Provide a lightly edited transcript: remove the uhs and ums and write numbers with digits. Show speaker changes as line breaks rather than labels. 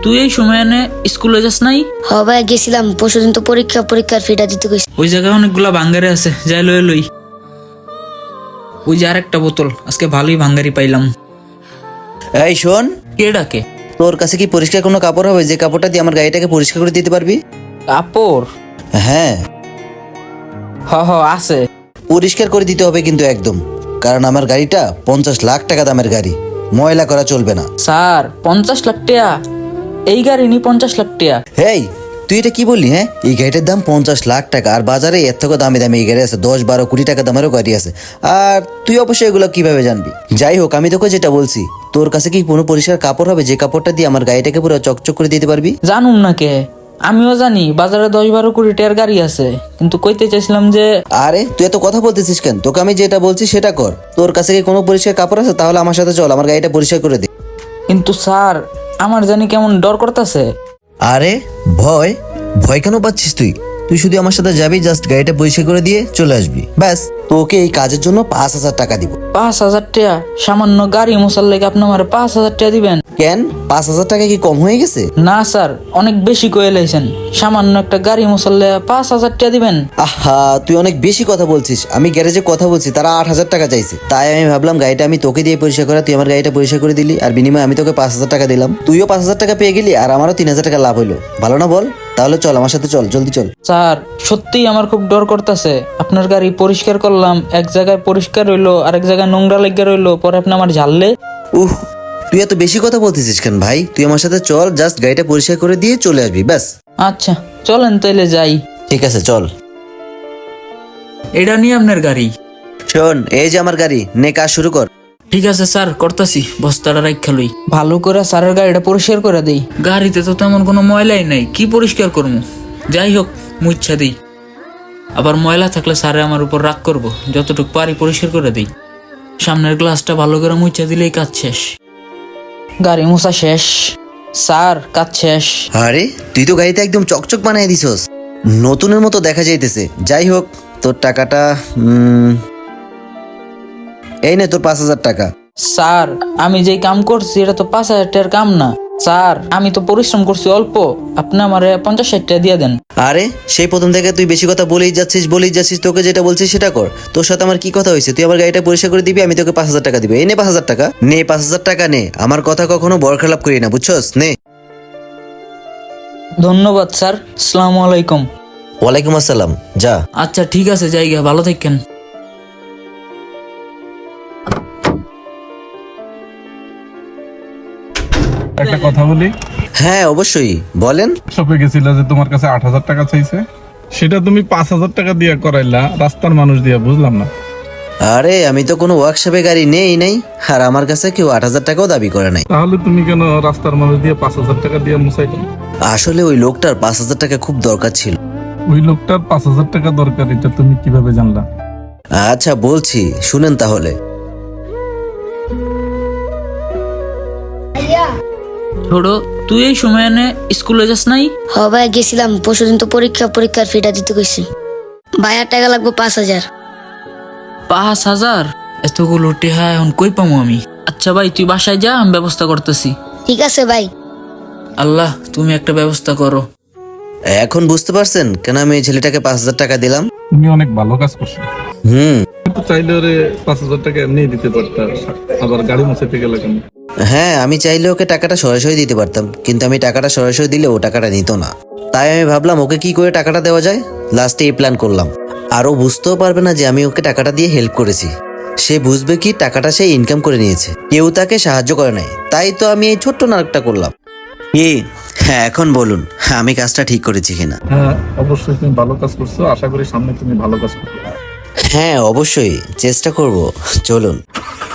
তুই এই সময় এনে স্কুলে যাস নাই?
হ ভাই গেছিলাম, পরশুদিন তো পরীক্ষার ফিটা দিতে গেছি।
ওই জায়গায় অনেকগুলা ভাঙ্গারি আছে, যাই লই লই। ওই যে আরেকটা বোতল, আজকে ভালোই ভাঙ্গারি পাইলাম।
এই শোন,
কে ডাকে?
তোর কাছে কি পরিষ্কার কোনো কাপড় হবে যে কাপড়টা দিয়ে আমার গাড়িটাকে পরিষ্কার করে দিতে পারবি?
কাপড়?
হ্যাঁ,
হ আছে।
পরিষ্কার করে দিতে হবে কিন্তু একদম, কারণ আমার গাড়িটা 50 লাখ টাকা দামের গাড়ি, ময়লা করা চলবে না।
স্যার 50 লাখ টাকা? এই গাড়ি নি 50 লাখ টাকা?
হেই, তুই এটা কি বললি? হ্যাঁ, এই গাড়িটার দাম 50 লাখ টাকা, আর বাজারে এর থেকে দামি দামি এই গাড়ি আছে, 10-12 কোটি টাকা দামেরও গাড়ি আছে। আর তুই অবশ্যই এগুলো কিভাবে জানবি? যাই হোক, আমি তোকে যেটা বলছি, তোর কাছে কি কোনো পরিষ্কার কাপড় হবে যে কাপড়টা দিয়ে আমার গাড়িটাকে পুরো চকচক করে দিতে পারবি?
জানুম না কে, আমিও জানি বাজারে 10-12 কোটি টাকার গাড়ি আছে, কিন্তু কইতে চাইছিলাম যে।
আরে তুই এত কথা বলতেছিস কেন? তোকে আমি যেটা বলছি সেটা কর। তোর কাছে কি কোনো পরিষ্কার কাপড় আছে? তাহলে আমার সাথে চল, আমার গাড়িটা পরিষ্কার করে দে।
কিন্তু স্যার, আমার জানি কেমন ডর করতেছে।
আরে ভয় ভয় কেন পাচ্ছিস তুই? তুই শুধু আমার সাথে যাবি, জাস্ট গাড়িটা পরিষ্কার করে দিয়ে চলে আসবি, ব্যাস। তোকে এই কাজের জন্য 5,000 টাকা দিব।
5,000 টাকা? সামান্য গাড়ি মোছার লেগে আপনি আমার 5,000 টাকা দিবেন?
কেন, 5,000 টাকা কি কম হয়ে গেছে?
না স্যার, অনেক বেশি কয়ে লাইছেন। সামান্য একটা গাড়ি মোছার লেগে 5,000 টাকা দিবেন?
আহা, তুই অনেক বেশি কথা বলছিস। আমি গ্যারেজে কথা বলছি, তারা 8,000 টাকা চাইছে। তাই আমি ভাবলাম গাড়িটা আমি তোকে দিয়ে পরিষ্কার করা, তুই আমার গাড়িটা পরিষ্কার করে দিলি, আর বিনিময়ে আমি তোকে 5,000 টাকা দিলাম। তুইও 5,000 টাকা পেয়ে গেলি, আর আমারও 3,000 টাকা লাভ হইলো। ভালো না বল? তাহলে চল আমার সাথে, চল জলদি চল।
স্যার সত্যিই আমার খুব ডর করতেছে। আপনার গাড়ি পরিষ্কার করলাম, এক জায়গায় পরিষ্কার রইলো, আরেক জায়গায় নোংরা লেগে রইলো, পরে আপনি আমার ঝাললে।
তুই এত বেশি কথা বলতেছিস কেন ভাই? তুই আমার সাথে চল, জাস্ট গাড়িটা পরিষ্কার করে দিয়ে চলে আসবি, ব্যাস।
আচ্ছা চলেন তাইলে যাই।
ঠিক আছে, চল।
এটা নিয়ে আপনার গাড়ি?
শোন, এই যে আমার গাড়ি, নে কাজ শুরু কর।
ঠিক আছে স্যার, করতাছি। বস্তাটা রাখা লই। ভালো করে স্যারের গাড়িটা পরিষ্কার করে দেই। গাড়িতে তো তেমন কোনো ময়লাই নাই, কি পরিষ্কার করবো? যাই হোক, মুচ্ছা দিই। আবার ময়লা থাকলে স্যারে আমার উপর রাগ করবো। যতটুকু পারি পরিষ্কার করে দিই। সামনের গ্লাসটা ভালো করে মুচ্ছা দিলেই কাজ শেষ। গাড়ি মোছা শেষ স্যার, কাজ শেষ।
আরে তুই তো গাড়িতে একদম চকচক বানিয়ে দিছস, নতুনের মতো দেখা যাইতেছে। যাই হোক, তোর টাকাটা এই নে, তোর 5,000 টাকা।
স্যার আমি যেই কাম করছি এটা তো 5,000 টাকার কাম না। স্যার আমি তো পরিশ্রম করছি অল্প, আপনি আমারে 50-60 টাকা দিয়ে দেন।
আরে সেই প্রথম থেকে তুই বেশি কথা বলেই যাচ্ছিস। তোকে যেটা বলছিস সেটা কর। তোর সাথে আমার কি কথা হয়েছে? তুই আমার গাড়িটা পরিষ্কার করে দিবি, আমি তোকে 5,000 টাকা দিবি। এই নে 5,000 টাকা, নে 5,000 টাকা নে। আমার কথা কখনো বরখেলাপ করি না, বুঝছস? নে।
ধন্যবাদ স্যার, আসসালামু আলাইকুম।
ওয়ালাইকুম আসসালাম, যা।
আচ্ছা ঠিক আছে, জায়গা ভালো থাকেন।
একটা কথা বলি।
হ্যাঁ অবশ্যই, বলেন।
শপে গেছিল যে তোমার কাছে 8,000 টাকা চাইছে, সেটা তুমি 5,000 টাকা দিয়ে করাইলা রাস্তার মানুষ দিয়া, বুঝলাম না।
আরে আমি তো কোনো ওয়ার্কশপে গাড়ি নেই, আর আমার কাছে কেউ 8,000 টাকাও দাবি করে নাই।
তাহলে তুমি কেন রাস্তার মানুষ দিয়ে 5,000 টাকা দিয়ে মুসাইলে?
আসলে ওই লোকটার 5,000 টাকা খুব দরকার ছিল।
ওই লোকটার 5,000 টাকা দরকার, এটা তুমি কিভাবে জানলা?
আচ্ছা বলছি, শুনেন তাহলে।
ছোট, তুই এই সময় এনে স্কুলে যাস নাই?
হ ভাই গেছিলাম, পরশুদিন তো পরীক্ষার ফিটা দিতে গেছি। ভাই আর টাকা লাগবে 5,000।
5,000? এতগুলো টেহা এখন কই পামু আমি? আচ্ছা ভাই তুই বাসায় যা, আমি ব্যবস্থা করতেছি।
ঠিক আছে ভাই।
আল্লাহ তুমি একটা ব্যবস্থা করো।
এখন বুঝতে পারছেন কেন আমি এই ছেলেটাকে 5,000 টাকা দিলাম?
তুমি অনেক ভালো কাজ করছো।
হুম।
কিন্তু চাইলে ওরে 5,000 টাকা এমনি দিতে পারতা, আবার গাড়ি মুছাইতে গেলে কেন?
হ্যাঁ, আমি চাইলে ওকে টাকাটা সরাসরি দিতে পারতাম, কিন্তু আমি টাকাটা সরাসরি দিলে ও টাকাটা নিত না। তাই আমি ভাবলাম ওকে কি করে টাকাটা দেওয়া যায়। লাস্টে এই প্ল্যান করলাম। আর ও বুঝতেও পারবে না যে আমি ওকে টাকাটা দিয়ে হেল্প করেছি। সে বুঝবে কি টাকাটা সে ইনকাম করে নিয়েছে, কেউ তাকে সাহায্য করে নাই। তাই তো আমি এই ছোট্ট নাটকটা করলাম। হ্যাঁ, এখন বলুন আমি কাজটা ঠিক করেছি কিনা?
হ্যাঁ অবশ্যই তুমি ভালো কাজ করছো, আশা করি সামনে তুমি ভালো কাজ করবে।
হ্যাঁ অবশ্যই চেষ্টা করব, চলুন।